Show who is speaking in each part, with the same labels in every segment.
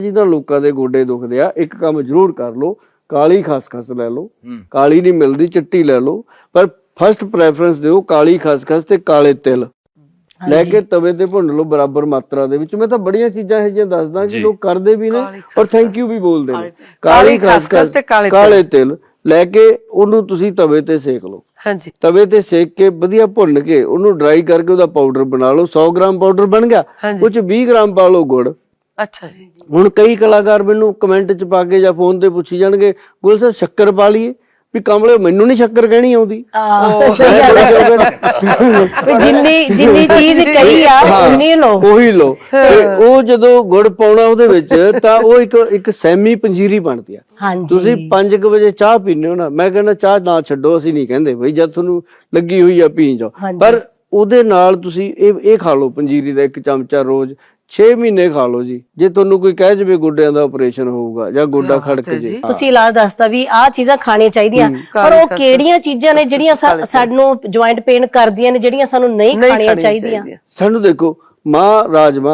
Speaker 1: जिन्हां लोकां दे गोडे दुखदे आ एक काम जरूर कर लो, काली खसखस लै लो, काली नहीं मिलदी चिट्टी लै लो, पर फस्ट प्रैफरेंस दिओ काली खसखस ते काले तिल लैके तवे ते भुन लो बराबर मात्रा दे विच। मैं तां बड़ियां चीज़ां इहो जिहियां दसदा कि लोग करदे भी ने और थैंक यू भी बोलदे ने। काली खसखस ते काले तिल लैके ओनू तुसीं तवे ते सेक लो, तवे ते सेक के वधिया भुन के ओनू ड्राई करके ओहदा पाउडर बना लो। 100 ग्राम पाउडर बन गया, उस 20 ग्राम पा लो गुड़।
Speaker 2: अच्छा जी।
Speaker 1: ਹੁਣ ਕਈ ਕਲਾਕਾਰ ਮੈਨੂੰ ਕਮੈਂਟ ਚ ਪਾ ਕੇ ਜਾਂ ਫੋਨ ਤੇ ਪੁੱਛੀ ਜਾਣਗੇ ਗੁਲ ਸਾਹਿਬ ਸ਼ੱਕਰ ਪਾ ਲਈਏ, ਵੀ ਕਮਲੇ ਮੈਨੂੰ ਨਹੀਂ ਸ਼ੱਕਰ ਕਹਿਣੀ ਆਉਂਦੀ।
Speaker 3: ਜਿੰਨੀ ਚੀਜ਼ ਕਹੀ ਆ ਉਨੀ ਲੋ,
Speaker 1: ਉਹੀ ਲੋ। ਉਹ ਜਦੋਂ ਗੁੜ ਪਾਉਣਾ ਉਹਦੇ ਵਿੱਚ ਤਾਂ ਉਹ ਇੱਕ ਸੈਮੀ ਪੰਜੀਰੀ ਬਣਦੀ ਆ। ਤੁਸੀਂ 5 ਵਜੇ ਚਾਹ ਪੀਂਦੇ ਹੋ ਨਾ, ਮੈਂ ਕਹਿੰਦਾ ਚਾਹ ਨਾ ਛੱਡੋ, ਅਸੀਂ ਨਹੀਂ ਕਹਿੰਦੇ ਬਈ ਜਦ ਤੁਹਾਨੂੰ ਲੱਗੀ ਹੋਈ ਆ ਪੀ ਜਾਓ, ਪਰ ਉਹਦੇ ਨਾਲ ਤੁਸੀਂ ਇਹ ਖਾ ਲਓ ਪੰਜੀਰੀ ਦਾ 1 ਚਮਚਾ ਰੋਜ਼ 6 ਮਹੀਨੇ ਖਾ ਲਓ ਜੀ। ਜੇ ਤੁਹਾਨੂੰ ਕੋਈ ਕਹਿ ਜਵੇ ਗੋਡਿਆਂ ਦਾ ਆਪਰੇਸ਼ਨ ਹੋਊਗਾ ਜਾਂ ਗੋਡਾ ਖੜਕ ਜੇ,
Speaker 3: ਤੁਸੀਂ ਇਲਾਜ ਦੱਸਦਾ ਵੀ ਆਹ ਚੀਜ਼ਾਂ ਖਾਣੀਆਂ ਚਾਹੀਦੀਆਂ, ਪਰ ਉਹ ਕਿਹੜੀਆਂ ਚੀਜ਼ਾਂ ਨੇ ਜਿਹੜੀਆਂ ਸਾਨੂੰ ਜੁਆਇੰਟ ਪੇਨ ਕਰਦੀਆਂ ਨੇ, ਜਿਹੜੀਆਂ ਸਾਨੂੰ ਨਹੀਂ ਖਾਣੀਆਂ ਚਾਹੀਦੀਆਂ?
Speaker 1: ਸਾਨੂੰ ਦੇਖੋ ਮਾਂ ਰਾਜਮਾ,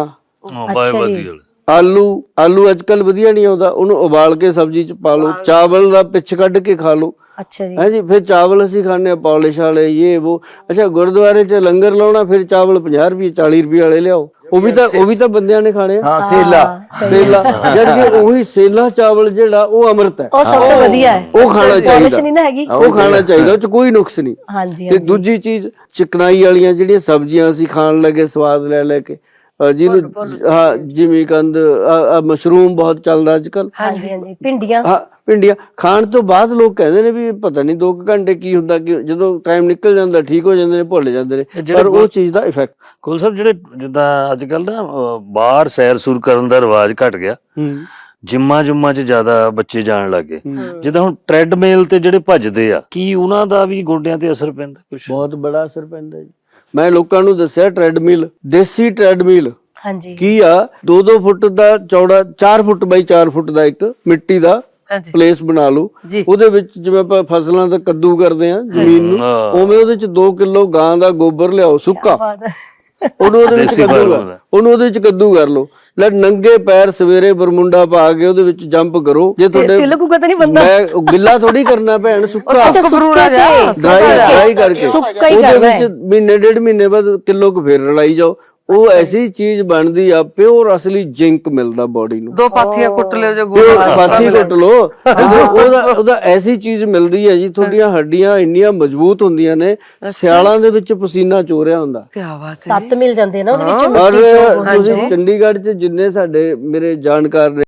Speaker 1: ਆਲੂ ਅੱਜ ਕੱਲ ਵਧੀਆ ਨਹੀਂ ਆਉਂਦਾ, ਉਹਨੂੰ ਉਬਾਲ ਕੇ ਸਬਜ਼ੀ ਚ ਪਾ ਲਓ। ਚਾਵਲ ਦਾ ਪਿੱਛ ਕੱਢ ਕੇ ਖਾ ਲਓ।
Speaker 3: ਅੱਛਾ ਜੀ।
Speaker 1: ਹੈ ਜੀ। ਫਿਰ ਚਾਵਲ ਅਸੀਂ ਖਾਣੇ ਆ ਪੌਲਿਸ਼ ਵਾਲੇ ਇਹ ਉਹ। ਅੱਛਾ ਗੁਰਦੁਆਰੇ ਚ ਲੰਗਰ ਲਾਉਣਾ, ਫਿਰ ਚਾਵਲ 50 ਰੁਪਏ 40 ਰੁਪਏ ਵਾਲੇ ਲਿਆਓ। ਉਹ ਵੀ ਤਾਂ ਬੰਦਿਆਂ ਨੇ ਖਾਣੇ ਆ।
Speaker 4: ਸੇਲਾ
Speaker 1: ਜਦ ਉਹੀ ਸੇਲਾ ਚਾਵਲ ਜਿਹੜਾ ਉਹ ਅੰਮ੍ਰਿਤ ਹੈ,
Speaker 3: ਉਹ ਸਭ ਤੋਂ ਵਧੀਆ ਹੈ,
Speaker 1: ਉਹ ਖਾਣਾ ਚਾਹੀਦਾ,
Speaker 3: ਨਹੀਂ ਨਾ ਹੈਗੀ,
Speaker 1: ਉਹ ਖਾਣਾ ਚਾਹੀਦਾ, ਉਹ ਚ ਕੋਈ ਨੁਕਸ ਨਹੀਂ।
Speaker 3: ਹਾਂਜੀ।
Speaker 1: ਤੇ ਦੂਜੀ ਚੀਜ਼ ਚਿਕਨਾਈ ਵਾਲੀਆਂ ਜਿਹੜੀਆਂ ਸਬਜ਼ੀਆਂ ਅਸੀਂ ਖਾਣ ਲੱਗੇ ਸਵਾਦ ਲੈ ਕੇ, ਜਿਹਨੂੰ ਜਿਮੀਕੰਦ, ਮਸ਼ਰੂਮ ਬਹੁਤ ਚੱਲਦਾ ਅੱਜ ਕੱਲ,
Speaker 3: ਭਿੰਡੀਆਂ,
Speaker 1: ਭਿੰਡੀਆਂ ਖਾਣ ਤੋਂ ਬਾਅਦ ਲੋਕ ਕਹਿੰਦੇ ਨੇ ਵੀ ਪਤਾ ਨਹੀਂ 2 ਘੰਟੇ ਕੀ ਹੁੰਦਾ, ਕਿ ਜਦੋਂ ਟਾਈਮ ਨਿਕਲ ਜਾਂਦਾ ਠੀਕ ਹੋ ਜਾਂਦੇ ਨੇ, ਭੁੱਲ ਜਾਂਦੇ ਨੇ, ਪਰ ਉਹ ਚੀਜ਼ ਦਾ ਇਫੈਕਟ।
Speaker 4: ਕੁਲ ਸਾਹਿਬ ਜਿਹੜੇ ਜਿੱਦਾਂ ਅੱਜ ਕੱਲ ਨਾ ਬਾਹਰ ਸੈਰ ਸੂਰ ਕਰਨ ਦਾ ਰਿਵਾਜ ਘਟ ਗਿਆ, ਜਿੰਮਾਂ ਚ ਜ਼ਿਆਦਾ ਬੱਚੇ ਜਾਣ ਲੱਗੇ, ਜਿੱਦਾਂ ਹੁਣ ਟ੍ਰੈਡਮਿਲ ਤੇ ਜਿਹੜੇ ਭੱਜਦੇ ਆ, ਕੀ ਉਹਨਾਂ ਦਾ ਵੀ ਗੋਡਿਆਂ ਤੇ ਅਸਰ ਪੈਂਦਾ? ਕੁਛ ਬਹੁਤ
Speaker 1: ਬੜਾ ਅਸਰ ਪੈਂਦਾ ਜੀ। ਮੈਂ ਲੋਕਾਂ ਨੂੰ ਦੱਸਿਆ ਟ੍ਰੈਡਮਿਲ, ਦੇਸੀ ਟ੍ਰੈਡਮਿਲ ਕੀ ਆ, 2-2 ਫੁੱਟ ਦਾ ਚੌੜਾ, 4 ਫੁੱਟ ਬਾਈ 4 ਫੁੱਟ ਦਾ ਇੱਕ ਮਿੱਟੀ ਦਾ ਪਲੇਸ ਬਣਾ ਲਓ। ਉਹਦੇ ਵਿੱਚ ਜਿਵੇਂ ਆਪਾਂ ਫਸਲਾਂ ਦਾ ਕੱਦੂ ਕਰਦੇ ਆ ਜ਼ਮੀਨ ਨੂੰ, ਉਵੇਂ ਉਹਦੇ ਚ 2 ਕਿਲੋ ਗਾਂ ਦਾ ਗੋਬਰ ਲਿਆਓ ਸੁੱਕਾ, ਉਹਨੂੰ ਉਹਦੇ ਵਿੱਚ ਕੱਦੂ ਕਰ ਲਓ। ਲੈ ਨੰਗੇ ਪੈਰ ਸਵੇਰੇ ਬਰਮੁੰਡਾ ਪਾ ਕੇ ਉਹਦੇ ਵਿੱਚ ਜੰਪ ਕਰੋ। ਜੇ ਤੁਹਾਡੇ ਮੈਂ ਗਿੱਲਾ ਥੋੜੀ ਕਰਨਾ ਭੈਣ, ਸੁੱਕਾ ਡਰਾਈ ਕਰਕੇ ਉਹਦੇ ਵਿੱਚ ਮਹੀਨੇ 1.5 ਮਹੀਨੇ ਬਾਅਦ ਕਿਲੋ ਕੁ ਫੇਰ ਰਲਾਈ ਜਾਓ। ਉਹ ਐਸੀ ਚੀਜ਼ ਬਣਦੀ ਆ, ਪਿਓਰ ਅਸਲੀ ਜ਼ਿੰਕ ਮਿਲਦਾ ਬੋਡੀ ਨੂੰ।
Speaker 2: 2 ਪਾਥੀਆਂ ਕੁੱਟ ਲਿਓ, ਜੋ
Speaker 1: ਪਾਥੀ ਕੁੱਟ ਲੋ, ਉਹਦਾ ਐਸੀ ਚੀਜ਼ ਮਿਲਦੀ ਹੈ ਜੀ। ਤੁਹਾਡੀਆਂ ਹੱਡੀਆਂ ਇੰਨੀਆਂ ਮਜ਼ਬੂਤ ਹੁੰਦੀਆਂ ਨੇ, ਸਿਆਲਾਂ ਦੇ ਵਿੱਚ ਪਸੀਨਾ ਚੋਰਿਆ ਹੁੰਦਾ,
Speaker 2: ਕੀ ਬਾਤ ਹੈ,
Speaker 3: ਤੱਤ ਮਿਲ ਜਾਂਦੇ ਨਾ ਉਹਦੇ ਵਿੱਚ।
Speaker 1: ਔਰ ਤੁਸੀਂ ਚੰਡੀਗੜ੍ਹ ਚ ਜਿੰਨੇ ਸਾਡੇ ਮੇਰੇ ਜਾਣਕਾਰ ਨੇ